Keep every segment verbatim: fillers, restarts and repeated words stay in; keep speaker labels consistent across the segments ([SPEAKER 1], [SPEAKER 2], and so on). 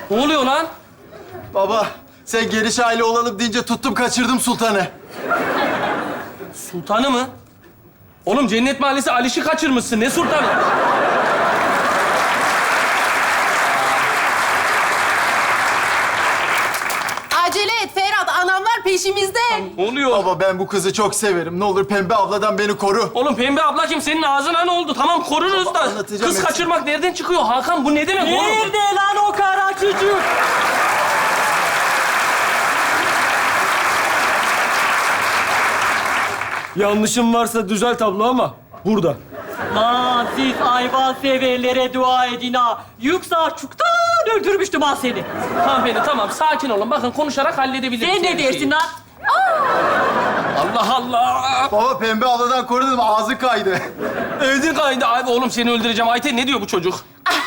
[SPEAKER 1] Ne oluyor lan?
[SPEAKER 2] Baba, sen geniş aile olalım deyince tuttum kaçırdım sultanı.
[SPEAKER 1] Sultanı mı? Oğlum Cennet Mahallesi Aliş'i kaçırmışsın. Ne sultanı?
[SPEAKER 3] Acele et Ferhat, anamlar peşimizde.
[SPEAKER 1] Ne oluyor?
[SPEAKER 2] Baba ben bu kızı çok severim. Ne olur Pembe abladan beni koru.
[SPEAKER 1] Oğlum Pembe abla kim? Senin ağzına ne oldu? Tamam koruruz da.
[SPEAKER 2] Anlatacağım
[SPEAKER 1] Kız
[SPEAKER 2] hepsini.
[SPEAKER 1] kaçırmak nereden çıkıyor Hakan? Bu ne demek oğlum?
[SPEAKER 4] Nerede lan o kara çocuk?
[SPEAKER 5] Yanlışım varsa düzelt abla ama burada.
[SPEAKER 4] Lan siz hayvan severlere dua edin ha. Yoksa çoktan öldürmüştüm ha seni.
[SPEAKER 1] Hanımefendi tamam sakin olun. Bakın konuşarak halledebiliriz.
[SPEAKER 4] Sen ne
[SPEAKER 1] her
[SPEAKER 4] dersin
[SPEAKER 1] şeyi.
[SPEAKER 4] lan?
[SPEAKER 1] Allah Allah.
[SPEAKER 2] Baba Pembe abladan koru dedim, ağzı kaydı.
[SPEAKER 1] Öldün kaydı. Abi oğlum seni öldüreceğim. Ayten ne diyor bu çocuk?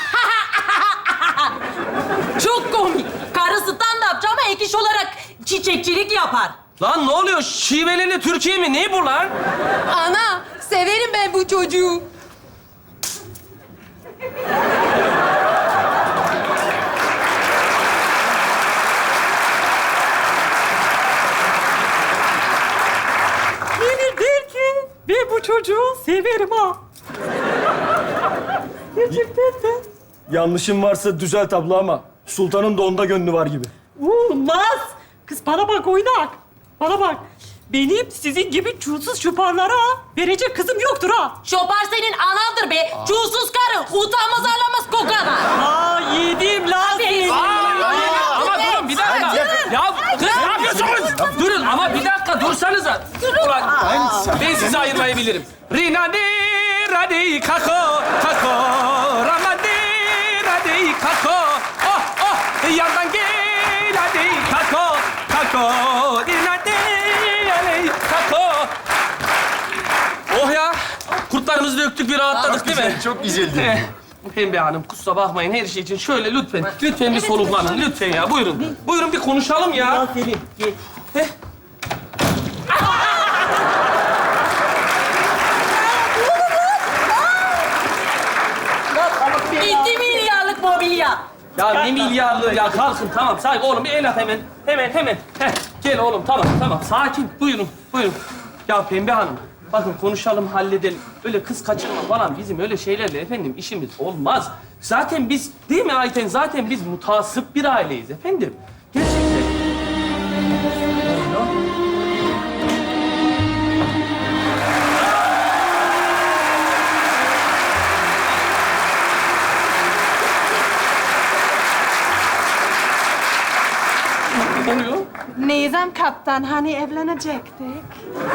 [SPEAKER 4] Çok komik. Karısından da yapacağım ama ek iş olarak çiçekçilik yapar.
[SPEAKER 1] Lan ne oluyor? Şiveli'yle Türkiye mi? Ne bu lan?
[SPEAKER 3] Ana, severim ben bu çocuğu.
[SPEAKER 4] Beni der ki ben bu çocuğu severim ha. Gerçekten de.
[SPEAKER 5] Yanlışım varsa düzelt abla ama sultanın da onda gönlü var gibi.
[SPEAKER 4] Olmaz. Kız bana bak oynak. Bana bak. Benim sizin gibi çulsuz şuparlara verecek kızım yoktur ha.
[SPEAKER 3] Şopar senin anandır be. Çulsuz karı, utanmaz arlamaz kokana.
[SPEAKER 4] Ha yedim lan seni.
[SPEAKER 1] Ama durun bir dakika. Ya kız ne yapıyorsunuz? Durun ama bir dakika dursanıza. Ulan ben sizi ayırmayabilirim. Rina de radi kako kako ramadi radi kako oh oh yandan gel hadi kako kako Rina de radi kako. Oh ya kurtlarımızı döktük bir rahatladık değil mi?
[SPEAKER 2] Çok güzeldi.
[SPEAKER 1] Eh, Pembe Hanım kusura bakmayın her şey için şöyle lütfen, lütfen bir soluklanın lütfen ya buyurun. Buyurun bir konuşalım ya.
[SPEAKER 4] Lan seni. Gel.
[SPEAKER 1] Heh.
[SPEAKER 4] İki milyarlık mobilya.
[SPEAKER 1] Ya ne milyarlığı ya kalkın tamam sakin oğlum bir el at hemen. Hemen hemen. Heh, gel oğlum tamam tamam sakin buyurun buyurun. Ya Pembe Hanım bakın konuşalım halledelim. Öyle kız kaçırma falan bizim öyle şeylerle efendim işimiz olmaz. Zaten biz değil mi Ayten zaten biz mutasip bir aileyiz efendim. Gerçekten. Ne oluyor?
[SPEAKER 3] Nizam kaptan, hani evlenecektik?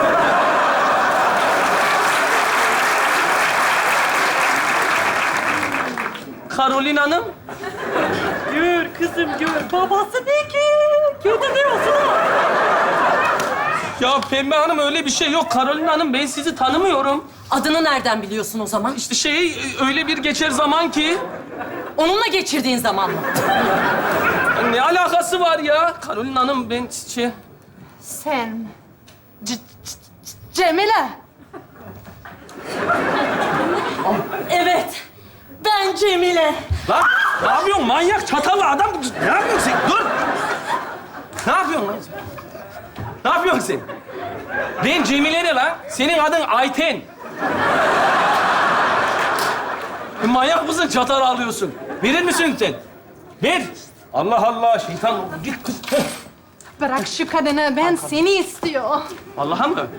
[SPEAKER 1] Karolin Hanım.
[SPEAKER 4] Gör kızım gör. Babası ne ki? Kötü diyorsun ha.
[SPEAKER 1] Ya Pembe Hanım öyle bir şey yok. Karolin Hanım ben sizi tanımıyorum.
[SPEAKER 4] Adını nereden biliyorsun o zaman?
[SPEAKER 1] İşte şey öyle bir geçer zaman ki.
[SPEAKER 4] Onunla geçirdiğin zaman mı?
[SPEAKER 1] Ne alakası var ya? Karolin Hanım ben şey...
[SPEAKER 3] Sen... C- C- Cemile.
[SPEAKER 4] Evet. Ben Cemile.
[SPEAKER 1] Lan ne yapıyorsun manyak çatallı adam? Ne yapıyorsun sen? Dur! Ne yapıyorsun lan sen? Ne yapıyorsun sen? Ben Cemile ne lan? Senin adın Ayten. Manyak mısın çatal alıyorsun? Verir misin sen? Ver. Allah Allah şeytan git kız. Heh.
[SPEAKER 3] Bırak şu kadını, ben seni istiyor.
[SPEAKER 1] Vallahi mı?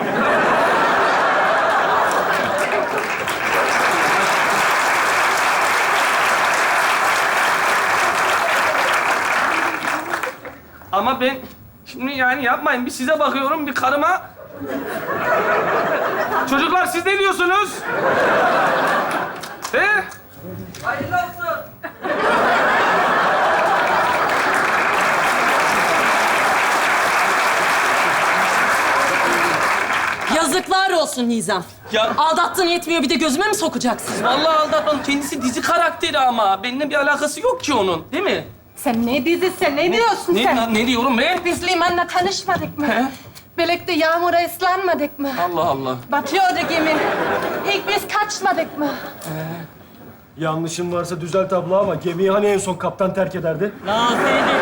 [SPEAKER 1] Ama ben şimdi yani yapmayın. Bir size bakıyorum, bir karıma. Çocuklar siz ne diyorsunuz? He? Hayırlı olsun.
[SPEAKER 4] Yazıklar olsun Nizam.
[SPEAKER 1] Ya-
[SPEAKER 4] Aldattığın yetmiyor bir de gözüme mi sokacaksın?
[SPEAKER 1] Vallahi aldatmam. Kendisi dizi karakteri ama. Benimle bir alakası yok ki onun. Değil mi?
[SPEAKER 3] Sen ne dizisi, ne diyorsun
[SPEAKER 1] Ne,
[SPEAKER 3] sen?
[SPEAKER 1] ne, ne diyorum ben?
[SPEAKER 3] Biz limanla tanışmadık mı?
[SPEAKER 1] He?
[SPEAKER 3] Birlikte yağmura ıslanmadık mı?
[SPEAKER 1] Allah Allah.
[SPEAKER 3] Batıyordu gemi. İlk biz kaçmadık mı?
[SPEAKER 5] Yanlışım varsa düzelt abla ama gemiyi hani en son kaptan terk ederdi?
[SPEAKER 4] La seni de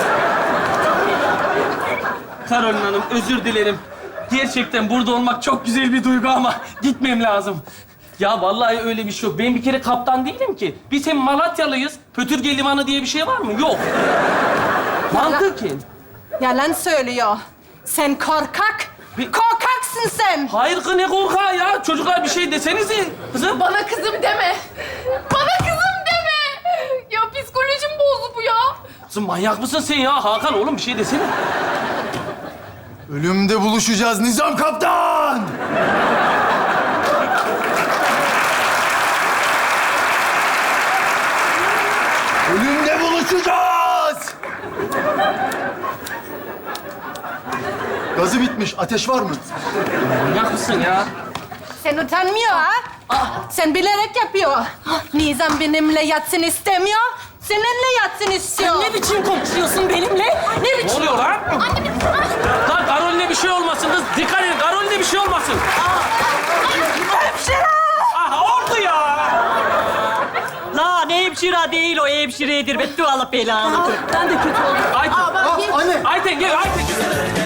[SPEAKER 1] Karolin Hanım, özür dilerim. Gerçekten burada olmak çok güzel bir duygu ama gitmem lazım. Ya vallahi öyle bir şey yok. Ben bir kere kaptan değilim ki. Biz hem Malatyalıyız. Pötürge Limanı diye bir şey var mı? Yok. Mantıken.
[SPEAKER 6] Yalan söylüyor. Sen korkak.
[SPEAKER 1] Bir-
[SPEAKER 6] Korkaksın sen.
[SPEAKER 1] Hayır kız, ne korkağı ya? Çocuklar bir şey desenize. Kızım.
[SPEAKER 7] Bana kızım deme. Bana kızım deme. Ya psikolojim bozdu bu ya.
[SPEAKER 1] Kızım manyak mısın sen ya? Hakan oğlum bir şey desene.
[SPEAKER 2] Ölümde buluşacağız Nizam Kaptan! Ölümde buluşacağız! Gazı bitmiş. Ateş var mı?
[SPEAKER 1] Manyak mısın ya?
[SPEAKER 6] Sen utanmıyor ha? Sen bilerek yapıyor. Nizam benimle yatsın istemiyor. Seninle yatsın istiyor.
[SPEAKER 3] Ne biçim konuşuyorsun benimle? Ne
[SPEAKER 1] Ne
[SPEAKER 3] biçim?
[SPEAKER 1] oluyor lan? Lan Karolin'e bir şey olmasın kız. Dikkat edin, Karolin'e bir şey olmasın.
[SPEAKER 4] hemşire!
[SPEAKER 1] Ah oldu ya.
[SPEAKER 4] La ne hemşire değil o hemşiredir. Beddua Allah belanı.
[SPEAKER 3] Ben de kötü oldum.
[SPEAKER 1] Ayten.
[SPEAKER 2] Aa, anne!
[SPEAKER 1] Ayten gel Ayten.